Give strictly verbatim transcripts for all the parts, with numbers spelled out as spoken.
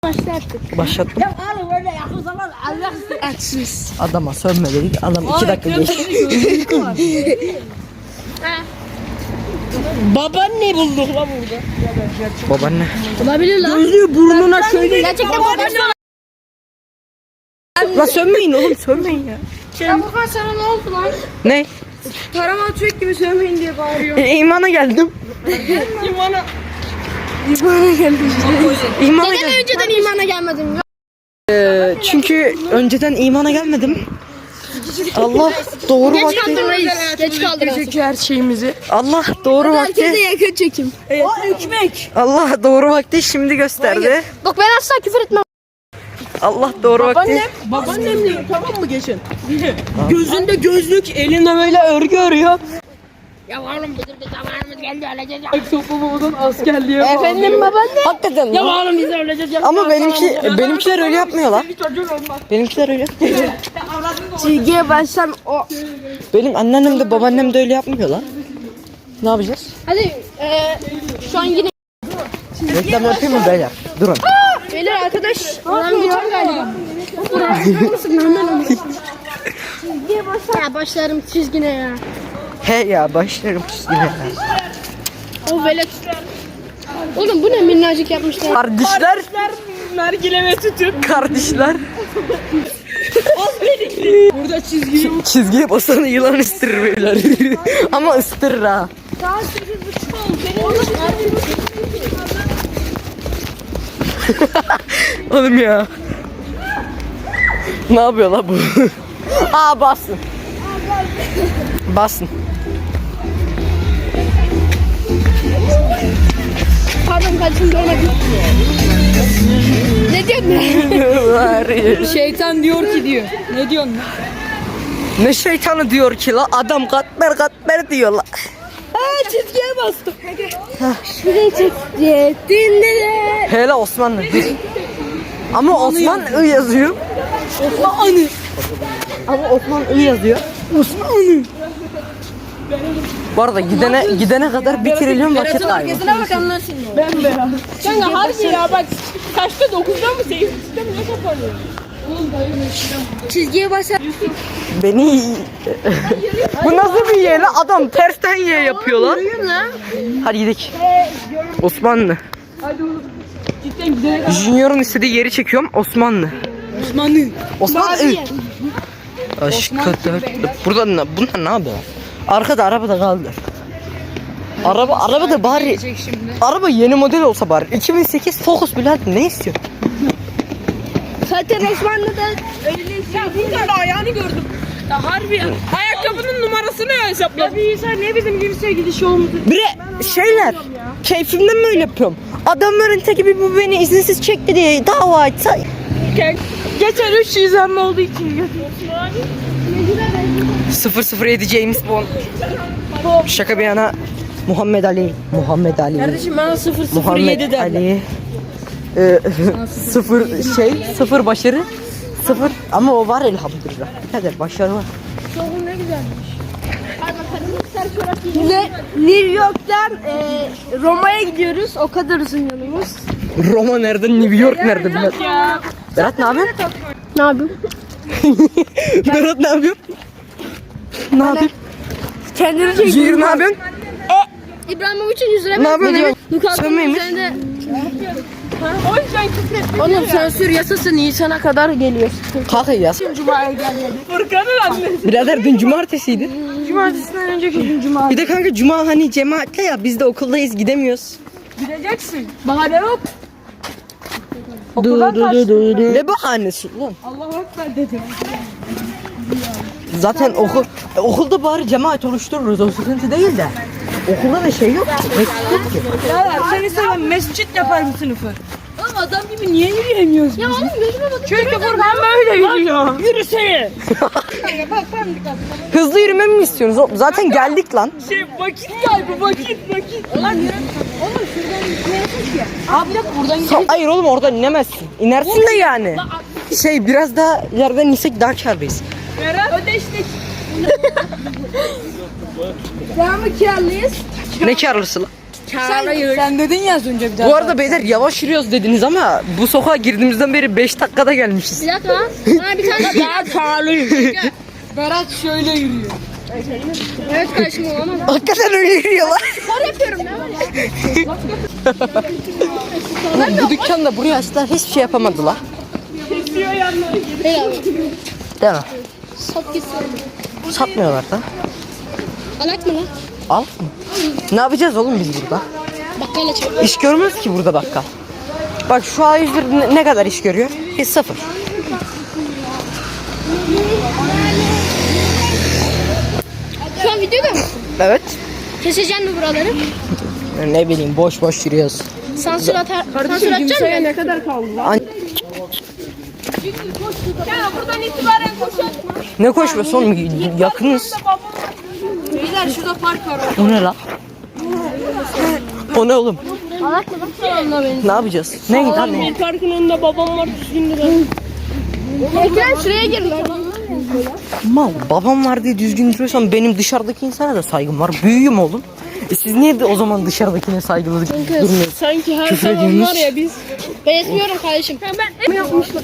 Başlattık. Başlattım. Ya oğlum öyle yakın zaman Allah açsız. Adama sönme dedik. Adam iki dakika geçti. Babaanne bulduk lan burada. Babaanne. Olabilir lan. Gözlüğü burnuna şöyle. Gerçekten babaanne. La sönmeyin oğlum, sönmeyin ya. Ya Furkan sana ne oldu lan? Ne? Tarama tüyek gibi sövmeyin diye bağırıyor. E, imana geldim. İmana. İmana geldim. İmana Neden geldim. önceden imana gelmedin? Ee, çünkü önceden imana gelmedim. Allah doğru Geç vakti. kaldın reis. Geç kaldın. her şeyimizi. Allah doğru vakti. yakın çekim. Evet. O ekmek. Allah doğru vakti şimdi gösterdi. Bak ben asla küfür etmem. Allah doğru vakti. Babaannem diyor, tamam mı geçen? Gözünde gözlük, elinde böyle örgü örüyor. Ya oğlum bizim bir zamanımız geldi öleceğiz ya. Toplumumuzun askerliğe bağlı. Efendim babaanne. Hakikaten. Ya oğlum biz öleceğiz ya. Ama benimki benimkiler öyle yapmıyorlar. Benimkiler öyle. Çizgiye başlam o. Benim anneannem de babaannem de öyle yapmıyorlar. Ne yapacağız? Hadi eee şu an yine. Reklam yapayım mı beyler? Durun. Beyler arkadaş. Ulan geçen galiba. Nasıl hemen onu. Çizgiye başlar. Ya başlarım çizgine ya. He ya başlarım çizgine. O velet. Oğlum bu ne minnacık yapmışlar. Kardeşler. Nargileme tütün. Kardeşler. Burada çizgi yok. Çizgiye basanı yılan ısırır beyler. Ama ısırır ha. Daha sekiz buçuk oldu. Oğlum ya. Ne yapıyor la bu? Aa basın. Basın. Pardon kaçın görmedim. Ne diyorsun? Var ya. Şeytan diyor ki diyor. Ne diyorsun lan? Ne şeytanı diyor ki la? Adam katmer katmer diyor la. Aa çizgiye bastım. Şuraya çekti. Dinle. Hele Osmanlı. Ama Osman I yazıyor. Osmanlı. Ama Osman I yazıyor. Osmanlı. Bu arada gidene gidene kadar bir trilyon vakit kaybı. Arkasına bak anlarsın ya. Ben beyaz. Kanka harbi ya bak. Kaçta dokuzda mı sekizde mi ne kapanıyor? Çizgiye başlar. Beni bu nasıl bir ye la? Adam tersten ye yapıyor lan. Hadi gidelim. Osmanlı. Hadi oğlum. Cidden gidelim. Junior'un istediği yeri çekiyorum. Osmanlı. Osmanlı. Osmanlı. Aşkı dört. Burada ne, bunlar ne yapıyor? Arkada araba da kaldı. Araba araba da bari. Araba yeni model olsa bari. iki bin sekiz Focus bile ne istiyor? Zaten Osmanlı'da Ya bunlarla ayağını gördüm. Ya harbi ya. Ayakkabının numarasını hesapla. Ya bir insan niye bizim gibi sevgili şey olmadı? Bre şeyler. Keyfimden mi öyle yapıyorum? Adamların teki bir bu beni izinsiz çekti diye dava açsa. Geçen üç izlenme olduğu için. sıfır sıfır yedi James Bond. Şaka bir yana Muhammed Ali. Muhammed Ali. Kardeşim bana sıfır sıfır Muhammed yedi derler. Ali. Ee, sıfır şey, sıfır başarı. Sıfır ama o var elhamdülillah. Hadi başarı var. ne güzelmiş. Ne, New York'tan e, Roma'ya gidiyoruz. O kadar uzun yolumuz. Roma nerede, New York nerede Berat? Berat ne yapıyorsun? Ne yapayım? Berat ne yapıyorsun? Ne yapıyorsun? Kendini Junior ne yapıyorsun? İbrahimovic'in yüz lira. Ne yapıyorsun? Lukaku'nun Sönmeymiş. üzerinde. O yüzden küfür Oğlum sansür yasası Nisan'a kadar geliyor. Kalk ya. Cuma'ya geldi. Furkan'ın annesi. Birader dün cumartesiydi. Cumartesinden önceki gün cuma. Bir de kanka cuma hani cemaatle ya biz de okuldayız gidemiyoruz. Gideceksin. Bahane yok. Du Okuldan du du kaçtın. du du. Ne bahanesi lan? Allahu Ekber dedi. Zaten okul okulda bari cemaat oluştururuz o sıkıntı değil de. Okulda da şey yok ki. Mescit yok ki. Ya seni seven mescit yapar mı sınıfı? Oğlum adam gibi niye yürüyemiyoruz? Ya oğlum gözüme bakın. Çünkü Furkan böyle yürüyor. Yürüsene. Hızlı yürümemi mi istiyorsunuz? oğlum? Zaten geldik lan. Şey vakit kaybı vakit vakit. Ulan yürü. Oğlum şuradan gitmeyesin ki. Abi bir dakika buradan Sa- gidelim. Hayır oğlum oradan inemezsin. İnersin de yani. Şey biraz daha ileriden insek daha kârdayız. Berat. Ödeştik. Devamı kiralıyız. Ne kârlısı lan? Sen, sen dedin ya az önce bir daha. Bu arada beyler yavaş yürüyoruz dediniz ama bu sokağa girdiğimizden beri beş dakikada gelmişiz. Bir dakika lan. Bana bir tane Daha karlıyım. Berat şöyle yürüyor. Evet kardeşim olamaz. Hakikaten öyle yürüyorlar. Spor yapıyorum ne var ya? Bu dükkanda buraya açtılar hiçbir şey yapamadılar. Değil abi. Değil mi? Sat gitsin. Satmıyorlar da. Alak mı lan? Al. Ne yapacağız oğlum biz burada? Bakkal açalım. İş görmüyoruz ki burada bakkal. Bak şu A yüz bir ne- ne kadar iş görüyor? Hiç sıfır. Şu an videoda mısın? Evet. Keseceksin mi buraları? Ne bileyim boş boş yürüyoruz. Sansür atar. Sansür atacak mı? ne kadar kaldı lan? An- Ya buradan itibaren koşun. ne koşması oğlum? Yakınız. Beyler şurada park var. O ne la? O ne oğlum? Alak mı lan? Ne yapacağız? Ne lan ne? Bir parkın önünde babam var düzgün lira. Ekrem şuraya gir lan. Mal babam var diye düzgün duruyorsam benim dışarıdaki insana da saygım var. Büyüğüm oğlum. E siz niye de o zaman dışarıdakine saygılı durmuyorsunuz? Sanki her Küfür zaman ediyorsunuz. var ya biz. Ben etmiyorum kardeşim. Ben yapmışlar.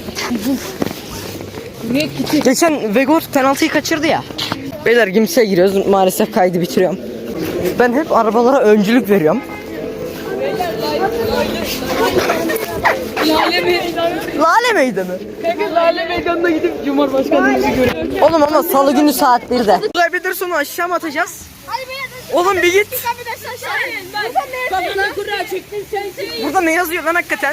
Geçen Vegor penaltıyı kaçırdı ya. Beyler kimseye giriyoruz. Maalesef kaydı bitiriyorum. Ben hep arabalara öncülük veriyorum. Lale mi? Lale meydanı. Kanka Lale Meydanı'na gidip Cumhurbaşkanımızı görüyoruz. Oğlum ama salı günü saat birde. Kaybeder sonra aşağı mı atacağız? Oğlum bir git. Kafana kura çektin sensin. Burada ne yazıyor lan hakikaten?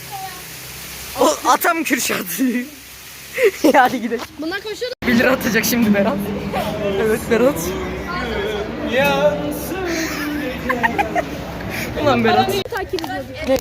O atam Kürşat. Hadi gidelim. Bunlar koşuyor. bir lira atacak şimdi Berat. Evet Berat. Ulan Berat. Takip ediyor.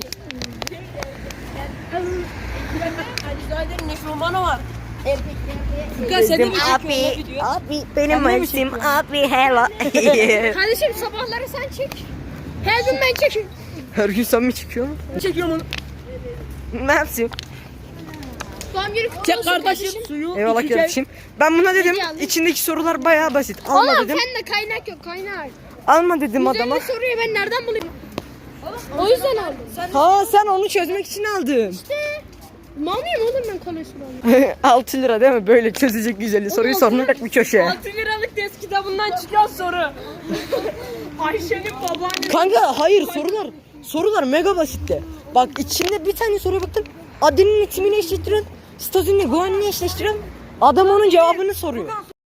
Zaten Nefroman'a var. Bizim abi, abi benim isim abi hello. Kardeşim sabahları sen çek. Her gün ben çekeyim. Her gün sen mi çıkıyorsun? Çekiyorum onu. Ne yapayım? Doğum günü kutlu Çek olsun kardeşim suyu. Eyvallah içeceğim. kardeşim. Ben buna dedim Hediye aldım. içindeki sorular bayağı basit. Alma Oğlum dedim. sen de kaynak yok kaynak. Alma dedim adama. Üzerinde soruyu ben nereden bulayım? O yüzden aldım. Ha sen onu çözmek için aldın. Mal mıyım oğlum ben kolesterol? altı lira değil mi? Böyle çözecek güzeli soruyu sormak bir köşeye. altı liralık test kitabından çıkan soru. Ayşe'nin babaannesi. Kanka hayır sorular. Sorular mega basitti. Bak içinde bir tane soruya baktım. Adının ismini eşleştiren, statünle güvenliğini eşleştiren adam onun cevabını soruyor.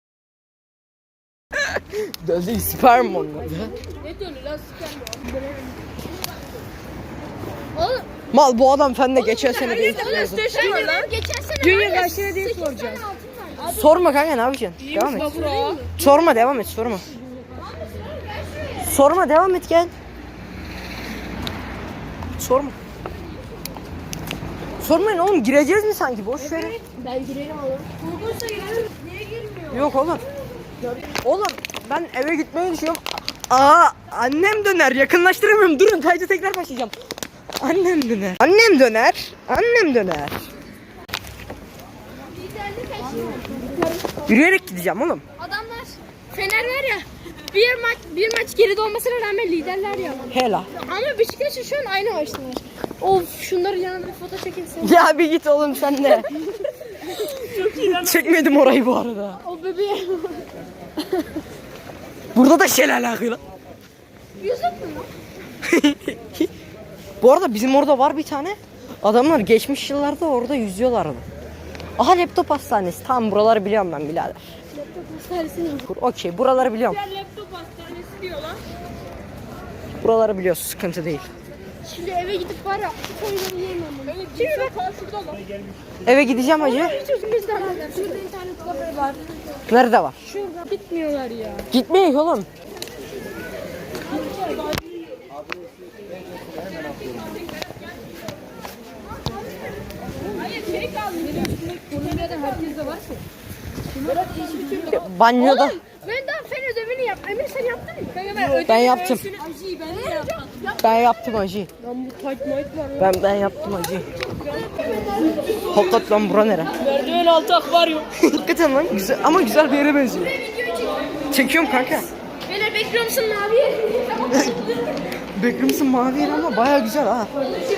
Döldü sperm onlar. Ne diyorsun lan sıkar Oğlum. Mal bu adam fende geçen sene değil. mı? lan. Geçen sene Dünya var ya, kaç lira diye sekiz soracağız. tane altın var. Sorma kanka ne yapacaksın? Devam et. Bura. Sorma devam et sorma. Sorma devam et gel. Sorma. Sormayın oğlum gireceğiz mi sanki boş ver. Ben girerim oğlum. Uygunsa girerim. Niye girmiyor? Yok oğlum. Oğlum ben eve gitmeyi düşünüyorum. Aa annem döner yakınlaştıramıyorum. Durun kaydı tekrar başlayacağım. Annem döner. Annem döner. Annem döner. Yürüyerek gideceğim oğlum. Adamlar Fener var ya. Bir maç bir maç geride olmasına rağmen liderler ya. Hela. Ama Beşiktaş'ın şu an aynı maçtalar. Of şunları yanına bir foto çekilsin. Ya bir git oğlum sen de. Çekmedim orayı bu arada. O bebeğe. Burada da şelale akıyor. Yüzük mü? Bu arada bizim orada var bir tane. Adamlar geçmiş yıllarda orada yüzüyorlardı. Aha laptop hastanesi. Tamam buraları biliyorum ben birader. Okey buraları biliyorum. Laptop hastanesi diyorlar. Buraları biliyorsun sıkıntı değil. Şimdi eve gidip var ya koyları yiyemem bunu. Evet, şimdi bak şurada lan. Eve gideceğim hacı. Hiç bizden aldım. Şurada internet kafe var. Nerede var? Şurada bitmiyorlar ya. Gitmeyin oğlum. Hayır şey kaldı. Kolombiya'da herkeste var ki. Banyoda. Oğlum ben daha fen ödevini yap. Emir sen yaptın mı? Ben yaptım. Acıyı ben de yaptım. Ben yaptım hacı. Lan bu tight might var. Ben ben yaptım hacı. Hakikat lan bura nere? Merdiven altı akvaryum. Hakikaten lan güzel ama güzel bir yere benziyor. Çekiyorum kanka. Beyler bekliyor musun abi? Backrooms'un mavi yeri ama baya güzel ha.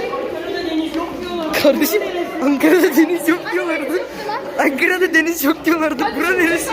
Kardeşim Ankara'da deniz yok diyorlardı. Ankara'da deniz yok diyorlardı. Bura neresi?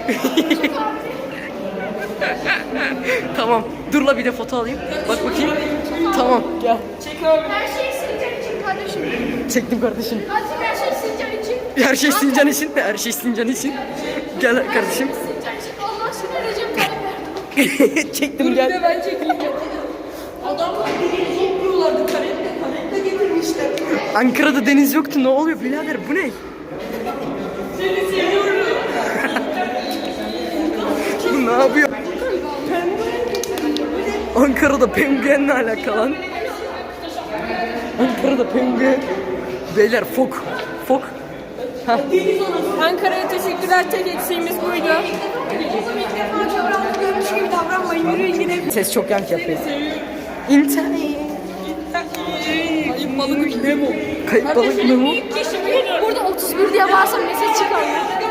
Tamam. Dur la bir de foto alayım. Bak bakayım. Tamam gel. Her şey Sincan için kardeşim. Çektim kardeşim. Hadi her şey Sincan için. Her şey Sincan için. Her şey Sincan için. Gel kardeşim. Sincan için. Allah aşkına Recep Tayyip Erdoğan. Çektim gel. Ben çekeyim. Adamlar deniz yapıyorlardı. Karetle karetle getirmişler. Ankara'da deniz yoktu. Ne oluyor birader? Bu ne? Seni seviyorum. Bu ne yapıyor? Ankara'da penguenle alakalı lan. Ankara'da penguen. Beyler fok. Fok. Ankara'ya teşekkürler. Tek eksiğimiz buydu. Oğlum ilk defa çevremde görmüş gibi davranmayın. Yürüyün gidelim. Ses çok yankı yapıyor. İnternet. Kayıp balık Memo. Kayıp balık mı bu? Burada otuz bir diye bağırsam mesaj çıkar.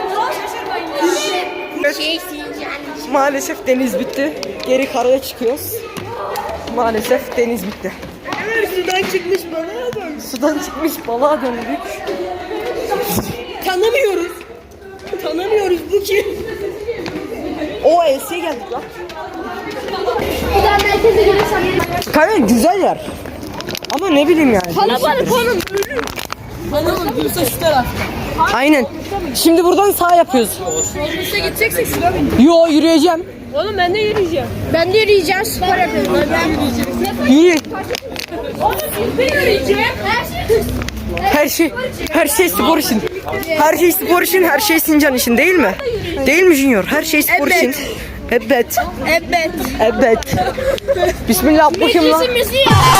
Evet. Maalesef deniz bitti. Geri karaya çıkıyoruz. Maalesef deniz bitti. Sudan çıkmış balığa dön. Sudan çıkmış balığa döndük. Tanımıyoruz. Tanımıyoruz bu kim? O E'siye geldik lan. Bir daha merkeze gelirsem. Kanka güzel yer. Ama ne bileyim yani. Kalabalık oğlum. Hanım Gülse şu tarafta. Aynen. Şimdi buradan sağ yapıyoruz. Gülse gideceksek sıra bin. Yo yürüyeceğim. Oğlum ben de yürüyeceğim. Ben de yürüyeceğim. Spor yapıyorum. Ben yürüyeceğim. Yürü. Oğlum ben yürüyeceğim. Her şey. Her şey her şey spor için. Her şey spor için, her şey Sincan için değil mi? Değil mi Junior? Her şey spor için. Evet. Evet. Evet. Bismillah bakayım lan. Müziği.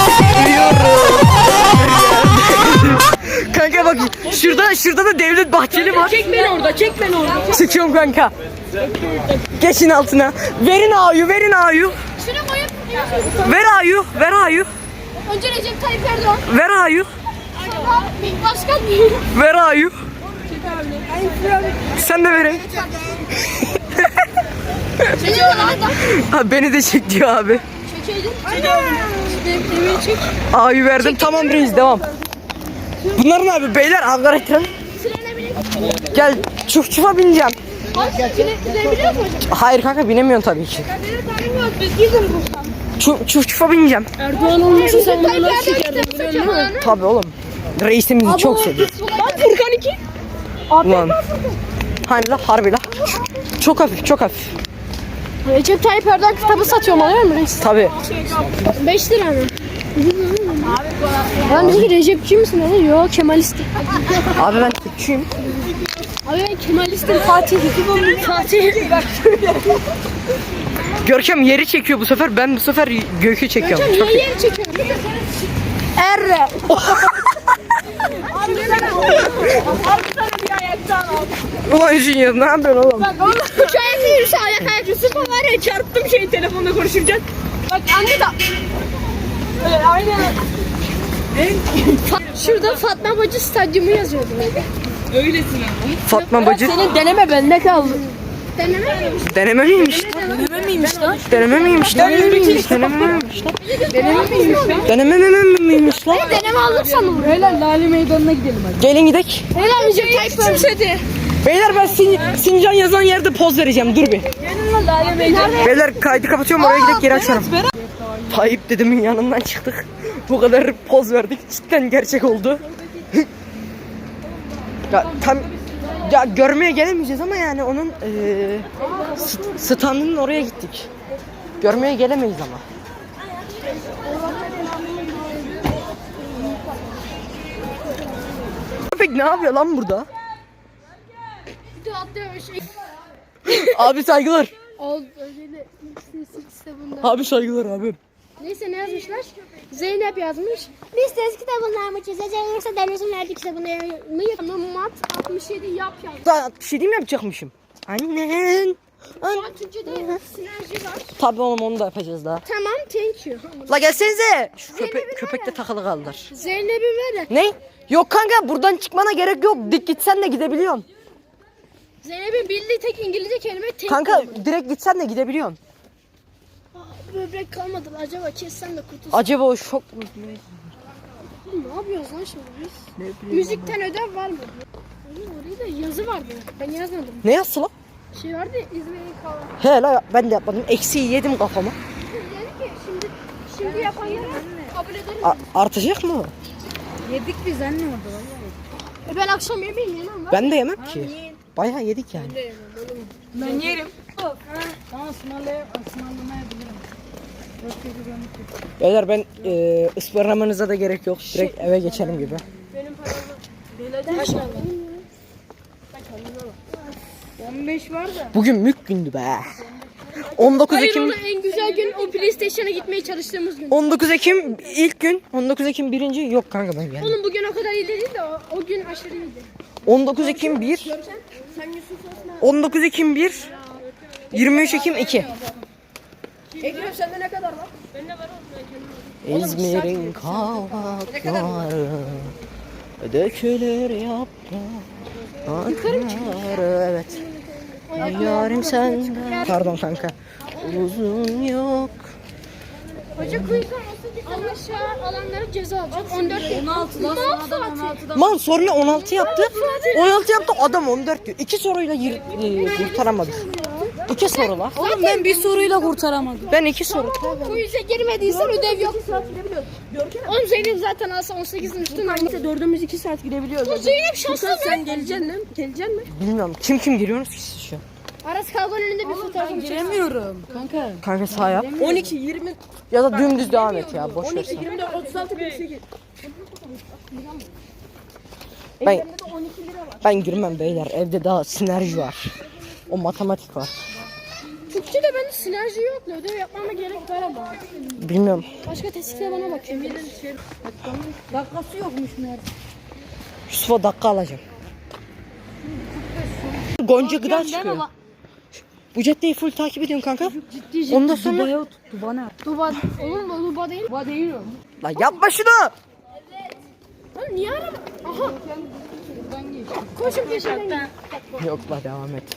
Kanka bak şurada şurada da Devlet Bahçeli var. Çek beni orada, çek beni orada. Çekiyorum kanka. Geçin altına. Verin A'yu, verin A'yu. Şunu koyup. Ver A'yu, ver A'yu. Önce Recep Tayyip Erdoğan. Ver A'yu. Sonra başkan değil. Ver A'yu. Sen de verin. Recep Erdoğan. Ha, beni de çek diyor abi. Çekeydin. Demiri çek. A'yu verdim. Tamam reis devam. Bunlar ne abi beyler Ankara tren. Trene binip. Gel çuf çufa bineceğim. Hadi binebiliyor musun? Hayır kanka binemiyorsun tabii ki. Benim tanım yok. Biz gidin buradan. Çuf, çuf çufa bineceğim. Erdoğan olmasa sen Tayyip bunu nasıl Erdoğan çekerdin kitap biliyor musun? çekiyor. Tabii oğlum. Reisimizi çok seviyoruz. Bak Furkan iki. Ulan. Hani la harbi la. Çok hafif çok hafif. Recep Tayyip Erdoğan kitabı satıyorum alıyor musun reis? Tabii. beş lira mı? Adam dedi ki Recepçi misin dedi. Yok Kemalistim. Abi ben Türkçüyüm. Abi ben Kemalistim Fatih. Fatih. Görkem yeri çekiyor bu sefer. Ben bu sefer gökü çekiyorum. Hocam Çok niye iyi. yeri çekiyorsun? Erre. Bir ayaktan al. Ulan Junior ne yapıyorsun oğlum? Üç ayakta yürüse ayak ayak yürüsün. Süper var ya çarptım şey telefonda konuşurken. Bak anne da. Evet, aynen. Şurada Fatma Bacı Stadyumu yazıyordu. Öylesin ama. Fatma bacı. Senin deneme bende kaldı. Deneme miymiş? Deneme miymiş? Deneme miymiş lan? Deneme miymiş? Deneme miymiş? Deneme miymiş? Deneme miymiş lan? Deneme miymiş lan? Deneme aldık sanırım. Beyler Lale Meydanı'na gidelim hadi. Gelin gidek. Helal Recep Tayyip Erdoğan. Beyler ben Sin Sincan yazan yerde poz vereceğim. Dur bir. Gelin lan Lale Meydanı'na. Beyler kaydı kapatıyorum oraya gidip geri açarım. Tayyip dedemin yanından çıktık. Bu kadar poz verdik. Cidden gerçek oldu. Ya tam ya görmeye gelemeyeceğiz ama yani onun eee st- standının oraya gittik. Görmeye gelemeyiz ama. Köpek ne yapıyor lan burada? Bir de atlıyor şey. Abi saygılar. Oldu öyle kitabında. Abi saygılar abi. Neyse ne yazmışlar? Zeynep yazmış. Biz test kitabından mı çizeceğiz yoksa denizin verdiği kitabını mı yapalım? Mat altmış yedi yap yaz. Daha bir şey değil mi yapacakmışım? Annen. An Şu an Türkçe'de sinerji var. Tabii oğlum onu da yapacağız daha. Tamam thank you. La gelsenize. Şu köpek, Zeynep'in köpek de takılı kaldır. Zeynep'in ver de. Ne? Yok kanka buradan çıkmana gerek yok. Dik gitsen de gidebiliyorsun. Zeynep'in bildiği tek İngilizce kelime thank Kanka you. direkt gitsen de gidebiliyorsun. böbrek kalmadı. Acaba kessem de kurtulsam. Acaba o şok mu? Ne yapıyoruz lan şimdi biz? Müzikten ödev var mı? Oğlum orada da yazı vardı. Ben yazmadım. Ne yazısı lan? Şey vardı ya, İzmir'in kahve. He la ben de yapmadım. Eksiği yedim kafama. Dedi ki şimdi şimdi yapanlara kabul ederim. A- artacak mı? Yedik biz anne orada vallahi. E ben akşam yemeği yemem lan. Ben de yemem ki. Bayağı yedik yani. Ben yerim. Tamam ısmarlaya ısmarlamayabilirim. Beyler ben e, ısmarlamanıza da gerek yok. Direkt eve geçelim gibi. Benim paramı kaç kaldı? on beş var da. Bugün mük gündü be. on dokuz Hayır Ekim oğlum en güzel gün o PlayStation'a gitmeye çalıştığımız gün. on dokuz Ekim ilk gün. on dokuz Ekim birinci yok kanka ben geldim. Oğlum bugün o kadar iyi değil de o, o gün aşırı iyiydi. on dokuz Ekim bir. Sen Yusuf Osman. on dokuz Ekim bir. yirmi üç Ekim iki. Ekrem sende ne kadar var? İzmir'in kavakları dökülür yaprakları. Evet. Yarim senden. Pardon kanka. Uzun yok. Hoca kuyukan olsa aşağı alanlara ceza alacak. on dört on altıdan sonradan on altıdan. Man sonra on altı yaptı. on altı yaptı adam on dört diyor. İki soruyla yir, e, kurtaramadık. İki soru la. Oğlum ben bir soruyla kurtaramadım. Ben iki soru. Quiz'e girmediysen ödev yok. Oğlum Zeynep zaten alsa on sekizin üstüne almış. Dördümüz iki saat gidebiliyoruz. Bu Zeynep şanslı mı? Sen geleceksin mi? Geleceksin mi? Bilmiyorum kim kim giriyorsunuz ki siz şu an? Aras Kalkan'ın önünde bir fotoğrafını çek. Giremiyorum kanka. Kanka sağ yap. on iki, yirmi, Ya da dümdüz devam et ya boş on ver iki, sen. yirmi dört, otuz altı, kırk sekiz. Ben, ben girmem beyler evde daha sinerji var. O matematik var. Türkçe'de bende sinerji yok. Ödev yapmama gerek var ama. Bilmiyorum. Başka testte bana bakıyor. Dakikası yokmuş meğer. Yusuf'a dakika alacağım. Gonca gıda çıkıyor. Bu caddeyi full takip ediyorsun kanka. Ciddi Ondan sonra... Dubai'ye tuttu bana. Duba, oğlum bu Duba değil. Duba değil o. Lan yapma şunu. Lan niye araba? Aha. Koşun peşinden. Yok la devam et.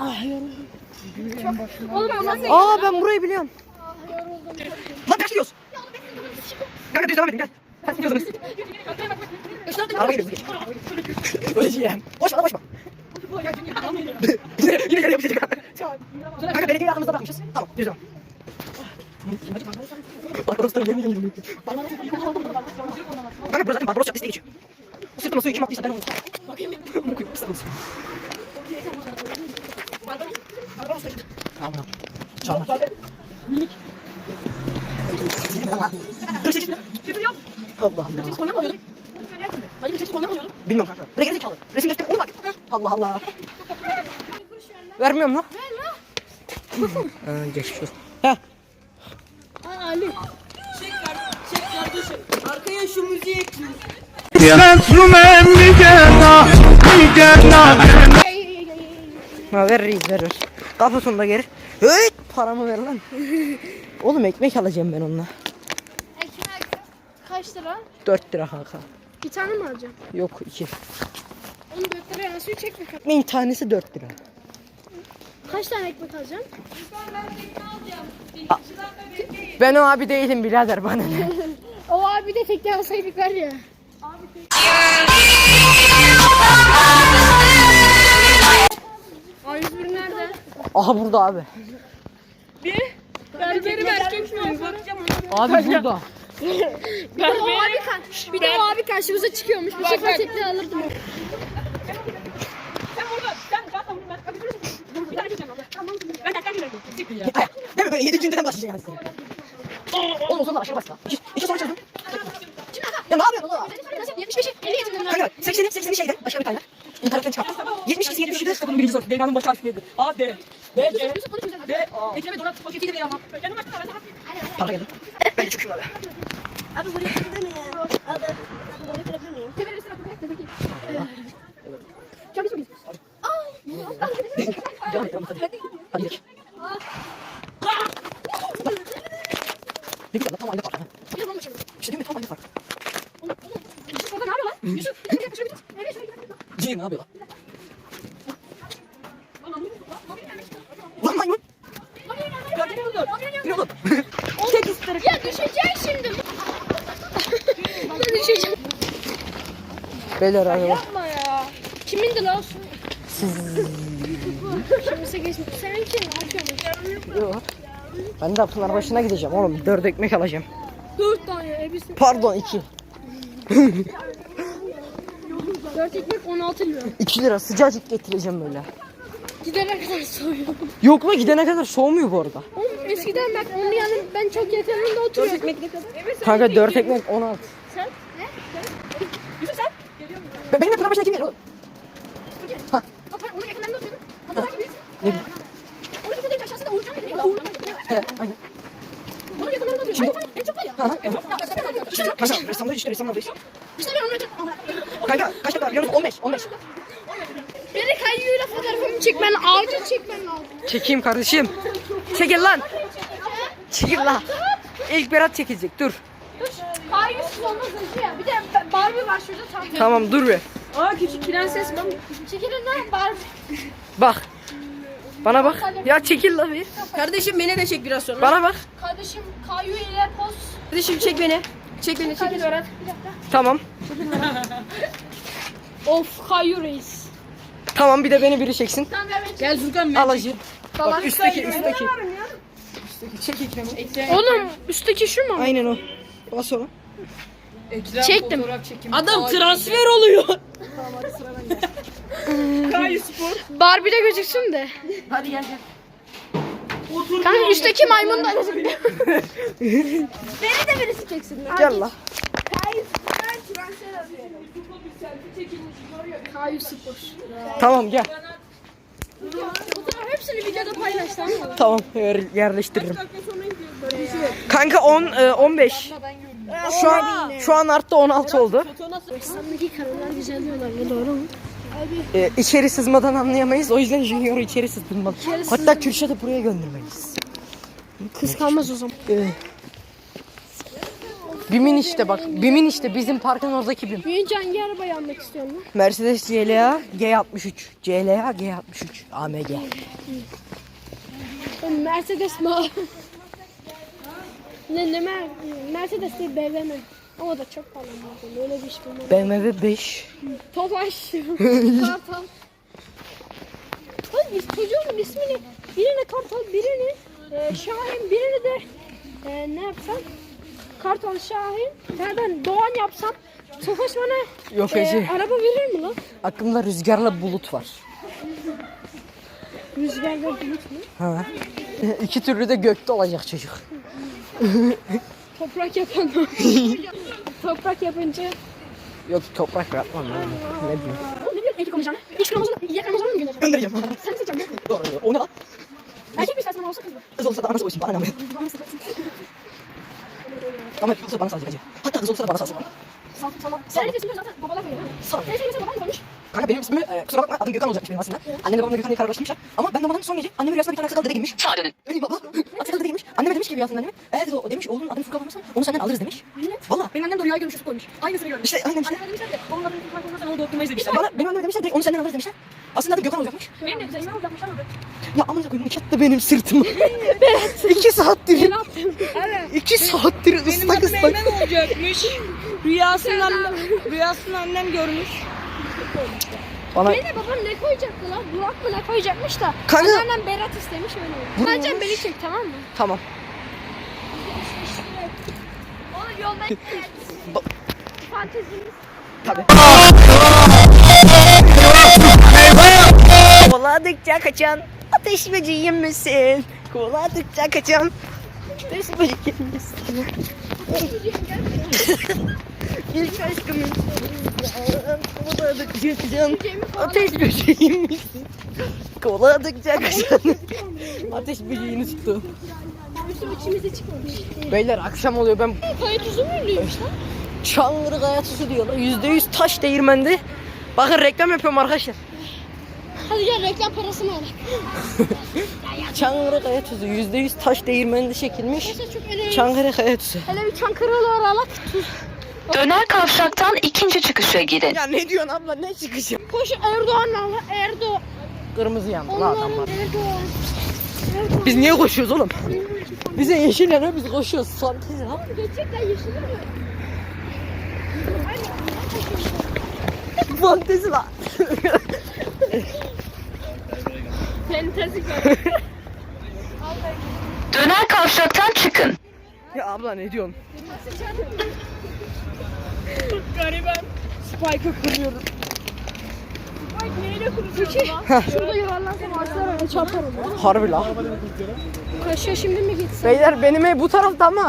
Oğlum bu nasıl? Aa ben burayı biliyorum. Lan kaç gidiyoruz? Kanka düz devam edin gel. Kaç gidiyorsunuz? Araba gidiyoruz. Öleceğim. Boşma boşma. Yine yine geri yapacağız. Kanka belediye aklımızda bırakmışız. Tamam düz devam. Barbaros'tan yemin ediyorum. Kanka burası zaten Barbaros Caddesi'ne geçiyor. O sırtına suyu kim attıysa ben onu. Bakayım. Bakayım. Tamam. Çağırma. Allah Allah. Bilmiyorum kanka. Buraya gerizekalı. Resim göster. Ona bak. Allah Allah. Vermiyorum lan. Ver lan. Aa, geçmiş olsun. Heh. Aa, Ali. Çek kardeşim. Arkaya şu müziği ekliyor. Ha ver reis ver ver. Kafasını da geri. Hıt paramı ver lan. Oğlum ekmek alacağım ben onunla. Ekmek kaç lira? dört lira kanka. Bir tane mi alacağım? Yok iki. Onu dört liraya nasıl çekme? Ekmeğin tanesi dört lira. Kaç tane ekmek alacağım? Ben o abi değilim birader bana ne. O abi de tekne alsaydık var ya. A yüz bir nerede? Aha burada abi. Berberim erkek mi? Bakacağım Abi burada. Bir de o abi, ka- bir de o abi karşımıza çıkıyormuş. Bu sefer tekne alırdım. Sen burada. Sen zaten ben. Bir tane geçeceğim. Tamam. Ben tekrar girelim. Değil mi böyle yedi günden başlayacaksın. Oğlum o zaman aşağı başla. İki, iki soru çözdüm. Ya ne yapıyorsun oğlum? yetmiş beşi elli getirdim ben. Kanka sekseni sekseni şeyde başka bir tane. İnternetten çıkar. yetmiş iki yetmiş üçü de Bunun birinci soru. Devranın başı harfi neydi? A, D. D, C. D, A. Ekrem'e donat paketiyle de yapma. Kendim açtım. Ben sana. Para geldi. Ben çıkıyorum abi. Abi buraya gidebilir miyim? Abi buraya gidebilir miyim? Kemer üstüne koyacak da peki. Çok güzel. Ay. Devam et devam et hadi. Hadi gidelim. Ne güzel lan tam aynı fark. İşte değil mi tam aynı fark. Yusuf orada ne yapıyor lan? Yusuf. Şöyle bir şöyle bir. Nereye şöyle bir. Ciğer ne yapıyor lan? Lan maymun. Ne oğlum? Ya düşeceğim şimdi. Ben düşeceğim. Beyler araba. Yapma ya. Kimindi lan? Kimse geçmiş. Sen kim? Ne yapıyorsun? Yok. Ben de Pınarbaşı'na gideceğim oğlum. Dört ekmek alacağım. Dört tane elbise. Pardon iki. Dört ekmek on altı lira. iki lira sıcacık getireceğim böyle. Gidene kadar soğuyor. Yok mu gidene kadar soğumuyor bu arada. Oğlum eskiden bak onun yanı ben çok yakınında oturuyordum. Ekmek ne kadar? Evet, Kanka dört ekmek on altı. Sen? Ne? Yusuf sen. Be benim de Pınarbaşı'na kim geliyor? Ha. Bak ben onun yakınlarında oturuyordum. Hatta takip et. Ne? Onun yakınlarında aşağısında Uğurcan dedi. Uğurcan dedi. He aynen. Onun yakınlarında oturuyordum. En çok var ya. Ha ha. Evet. İşte Kanka ressamda işte ressamda beş. İşte ben onu yakın. Kanka kaç dakika biliyor musun? on beş on beş. Beni kayyuyla fotoğrafımı çekmen, acil çekmen lazım. Çekeyim kardeşim. Çekil lan. Çekil lan. İlk Berat çekecek dur. Kayyusuz olmaz acı ya. Bir de Barbie var şurada tam. Tamam dur bir. Aa küçük prenses ben. Çekilin lan Barbie. Bak. Bana bak. Ya çekil lan bir. Kardeşim beni de çek biraz sonra. Bana bak. Kardeşim Kayyu ile poz. Kardeşim çek beni. Çek beni çekil Berat. Bir dakika. Tamam. Of Kayyu reis. Tamam bir de beni biri çeksin. Sen ver ben Gel Furkan ben. Al acı. Tamam. Bak üstteki üstteki. Üstteki çek ekremi. Oğlum üstteki şu mu? Aynen o. Bas onu. Çektim. Adam transfer oluyor. Kayu Spor. Barbie de gözüksün de. Hadi gel gel. Kanka üstteki maymun da gözüküyor. Beni de birisi çeksin. Gel lan. Kayyu spor. Tamam gel. Fotoğraf hepsini videoda paylaş tamam mı? Tamam yer, yerleştiririm. Kanka on e, on beş. Şu an şu an arttı on altı oldu. Samimi karılar güzel diyorlar ya doğru mu? E, içeri sızmadan anlayamayız. O yüzden Junior'u içeri sızdırmalı. Hatta Kürşat'ı buraya göndermeliyiz. Kıskanmaz o zaman. E, Bimin işte bak. Bimin işte bizim parkın oradaki Bim. Büyüyünce hangi arabayı almak istiyorsun lan? Mercedes C L A G altmış üç. C L A G altmış üç. A M G. Oğlum Mercedes mi? ne ne mer Mercedes değil B M W. Ama da çok pahalı. Öyle bir iş bulmam. B M W beş. Tofaş. Kartal. Oğlum biz çocuğun ismini birine Kartal, birini e, Şahin, birini de e, ne yapsam? Kartal, Şahin. Ya ben Doğan yapsam Tofaş bana Yok e, Ece. araba verir mi lan? Aklımda rüzgarla bulut var. Rüzgarda bulut mu? Ha. İki türlü de gökte olacak çocuk. Toprak yapan Toprak yapınca Yok toprak yapmam ya. Ne bileyim. oğlum ne diyorsun erkek olacağını? İlk Ramazan'ı, ilk Ramazan'ı mı göndereceğim? Göndereceğim. Sen mi seçeceksin? Doğru. O ne lan? Erkek mi istersen olsa kız mı? Kız olsa da anası olsun. Bana ne? Ama kız olsa bana salacak acı. Hatta kız olsa da bana salsın. Tamam tamam. Senin ismini zaten babalar koyuyor. Sağ ol. Senin ismini baban koymuş. Kanka benim ismimi e, kusura bakma adım Gökhan olacakmış benim aslında. Annemle babamla Gökhan diye kararlaşmışlar. Ama ben babanın son gece annemin rüyasında bir tane sakallı dede girmiş. Sağa dönün. Benim baba. Sakallı dede girmiş. Anneme demiş ki rüyasında anneme. Evet o demiş oğlunun adını Furkan koymazsan onu senden alırız demiş. Valla. Benim annem de rüya görmüş Yusuf koymuş. Aynısını görmüş. İşte aynen işte. Anneme demişler de onun adını Furkan koymazsan onu doktoruna izlemişler. Bana benim anneme demişler direkt onu senden alırız demişler. Aslında adı Gökhan olacakmış. Benim de güzel olacakmış ama. Ya amına koyayım çattı benim sırtıma. İki saattir. Evet. İki saattir Benim ıslak adım ıslak. Eymen olacakmış. Rüyasında rüyasında annem görmüş. Bana Benim de babam ne koyacaktı lan? Burak mı ne koyacakmış da. Kanka- Anneannem Berat istemiş öyle oldu. Bence beni çek tamam mı? tamam. Oğlum yolda Ba- fantezimiz. Tabii. Kovaladıkça kaçan ateş böceği misin? Kovaladıkça kaçan ateş böceği misin? İlk aşkımın kovaladıkça kaçan ateş böceği misin? Kovaladıkça kaçan ateş böceğini tuttu. Bizim içimize çıkmamış. Beyler akşam oluyor ben Kayıt uzun muymuş lan? Çangırı Kaya Tuzu diyorlar. Yüzde yüz taş değirmende. Bakın reklam yapıyorum arkadaşlar. Hadi gel reklam parasını al. Çankırı Kaya Tuzu yüzde yüz taş değirmeninde çekilmiş. Neyse çok önemli. Çankırı Kaya Tuzu. Hele bir Çankırı'lı aralak tuz. Döner kavşaktan ikinci çıkışa girin. Ya ne diyorsun abla ne çıkışı? Koş Erdoğan'la al. Erdoğan. Kırmızı yandı la adamlar. Onların Erdoğan. Biz niye koşuyoruz oğlum? Bize yeşil yanıyor, biz koşuyoruz. Fantezi lan. Gerçekten yeşil mi? Fantezi lan. Fantezi. Döner kavşaktan çıkın. Ya abla ne diyorsun? Gariban. Spike'ı kuruyoruz. Spike neyle kuruyorsun lan? Şurada yuvarlansam ağaçlar öyle çarparım. Harbi la. Kaşıya şimdi mi gitsen? Beyler benim ev bu tarafta ama.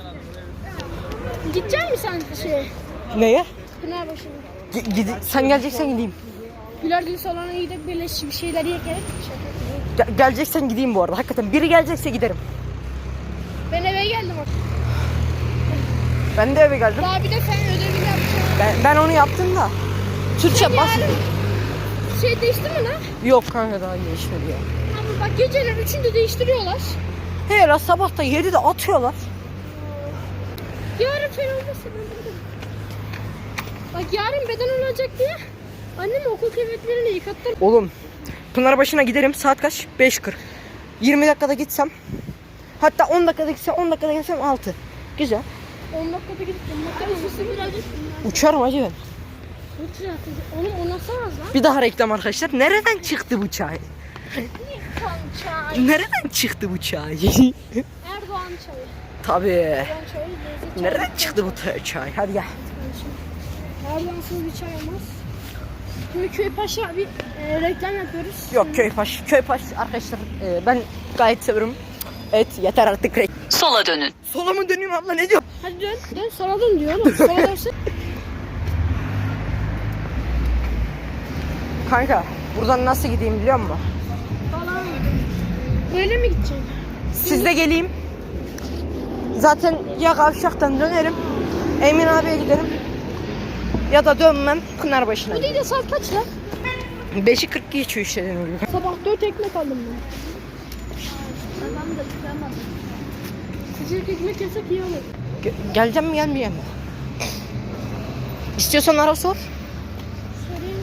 Gidecek misin sen şeye? Neye? Pınarbaşı'na. G- gidi- sen geleceksen gideyim. Güler gün salona gidip böyle bir şeyler yerken Ge- geleceksen gideyim bu arada. Hakikaten biri gelecekse giderim. ben eve geldim. Ben de eve geldim. Daha bir de sen ödevini yapacaksın. Ben, ben onu yaptım da. Türkçe bas. Şey değişti mi lan? Yok kanka daha geçmedi ya. Ama bak geceler üçünde değiştiriyorlar. He la sabah da yedide atıyorlar. Yarın fen olmasın. ben burada. Bak yarın beden olacak diye annem okul kıyafetlerini yıkattı. Oğlum Pınarbaşı'na giderim saat kaç? beş kırk. yirmi dakikada gitsem. Hatta on dakikada gitsem on dakikada gitsem altı. Güzel. on dakikada gidip on dakikada gitsin birazcık. Uçarım hacı ben. Uçur artık. Oğlum o nasıl az lan? Bir daha reklam arkadaşlar. Nereden çıktı bu çay? Kan çay. Nereden çıktı bu çay? Erdoğan çayı. Tabii. Erdoğan çayı lezzet çayı. Nereden çıktı bu t- çay? Hadi gel. Erdoğansız bir çay olmaz. Şimdi Köypaşa bir e, reklam yapıyoruz. Yok köypaş. Köypaş arkadaşlar e, ben gayet severim. Evet yeter artık reklam. Sola dönün. Sola mı döneyim abla ne diyor? Hadi dön. Dön sola dön diyor oğlum. Sola dönsün. Kanka buradan nasıl gideyim biliyor musun? Falan. Böyle mi gideceksin? Siz de geleyim. Zaten ya kavşaktan dönerim. Emin abiye giderim. Ya da dönmem Pınarbaşı'na. Bu değil de saat kaç lan? beşi kırk geçiyor işte dediğim gibi. Sabah dört ekmek aldım ben. Adam da yıkamadım. Sıcak ekmek yesek iyi olur. Ge- geleceğim mi gelmeyeceğim mi? İstiyorsan ara sor. Sorayım.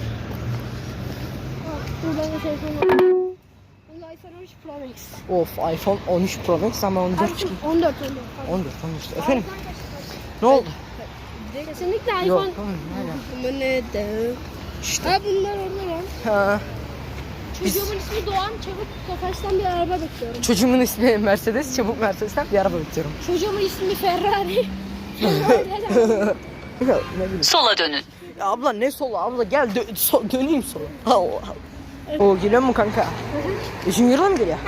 Ah, buradan da telefon var. Bu iPhone on üç Pro Max. Of iPhone on üç Pro Max ama on dört çıkıyor. on dört on dört. on dört on dört. Efendim ne oldu? Kesinlikle Yok iPhone. tamam hala. Ama neden? İşte. Ha bunlar orada lan. Ha. Biz- Çocuğumun ismi Doğan. Çabuk Tofaş'tan bir araba bekliyorum. Çocuğumun ismi Mercedes. Çabuk Mercedes'ten bir araba bekliyorum. Çocuğumun ismi Ferrari. Ferrari. ne bileyim. Sola dönün. Ya abla ne sola abla gel dö- so- döneyim sola. Allah Allah. O geliyor mu kanka? Üçün euro mu geliyor?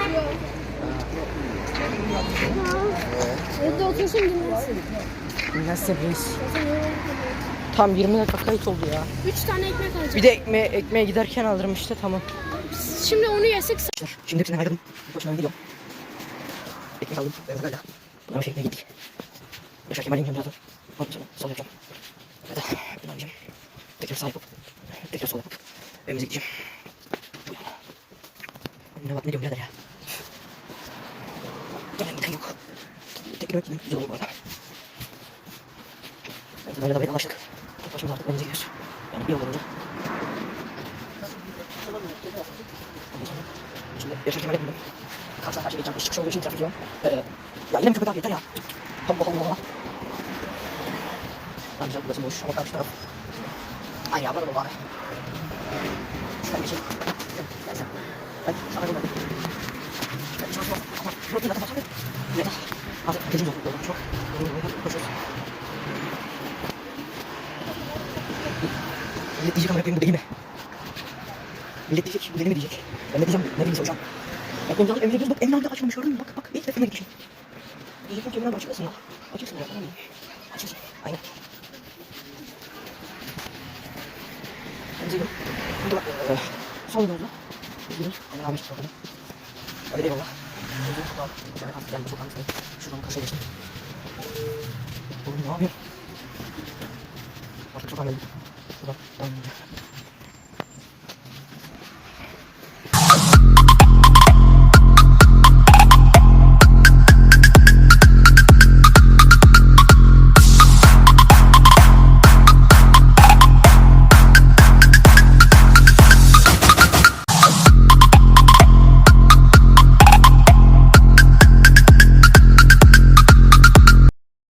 Evde otursun dinlensin. Nasıl reis? Tam yirmi dakika kayıt oldu ya. Üç tane ekmek alacağım. Bir de ekmeğe, ekmeğe giderken alırım işte tamam. Şimdi onu yesek Şimdi hepsinden ayrıldım. Başına gidiyorum. Ekmek aldım. Evet öyle. Bunlar şeklinde gittik. Yaşar Kemal'in yanına birazdan. Ondan sonra sol yapacağım. Evet. Bunu alacağım. Tekrar sağ yapıp. Tekrar sol yapıp. Evimize gideceğim. Bu yana. Ne bak ne diyorum birader ya. Gelen giden yok. Tekrar gittim. Güzel oldu bu arada. Evet böyle de vedalaştık. Tek başımıza artık evimize gidiyoruz. Yani bir yol olunca. Şimdi Yaşar Kemal'e bindim. Karşıdan karşıya geçeceğim. İş çıkışı olduğu için trafik yoğun. Ee, ya yine mi köpek abi yeter ya. Allah Allah Allah. Lan güzel burası boş ama karşı taraf. Aynı ya burada da abi. Şuradan geçeyim. Gel sen. Hadi sana gönder. Hadi çalışma. Ama şurada zaten başladık. Yeter. Artık gecimiz oldu. Yoldan çok. Koşuyoruz. Millet diyecek amına koyayım bu deli mi? Millet diyecek bu deli mi diyecek? Ben ne diyeceğim ne diyeyim hocam? Bak Emre abi evine gidiyoruz bak Emre abi de açmamış gördün mü? Bak bak ilk defa gitmişim. Diyecektim ki Emre abi açıklasın ya. Açıksın ya tamam mı? Açıksın. Aynen. Emre gidiyorum. Şimdi bak eee son yolda. Gidiyoruz. Emre abi çıktı oradan. Hadi eyvallah. Emre çok al. Yani artık gelme çok anlatmayın. Şuradan karşıya geçtim. Oğlum ne yapıyorsun? Artık çok anladım. Şuradan.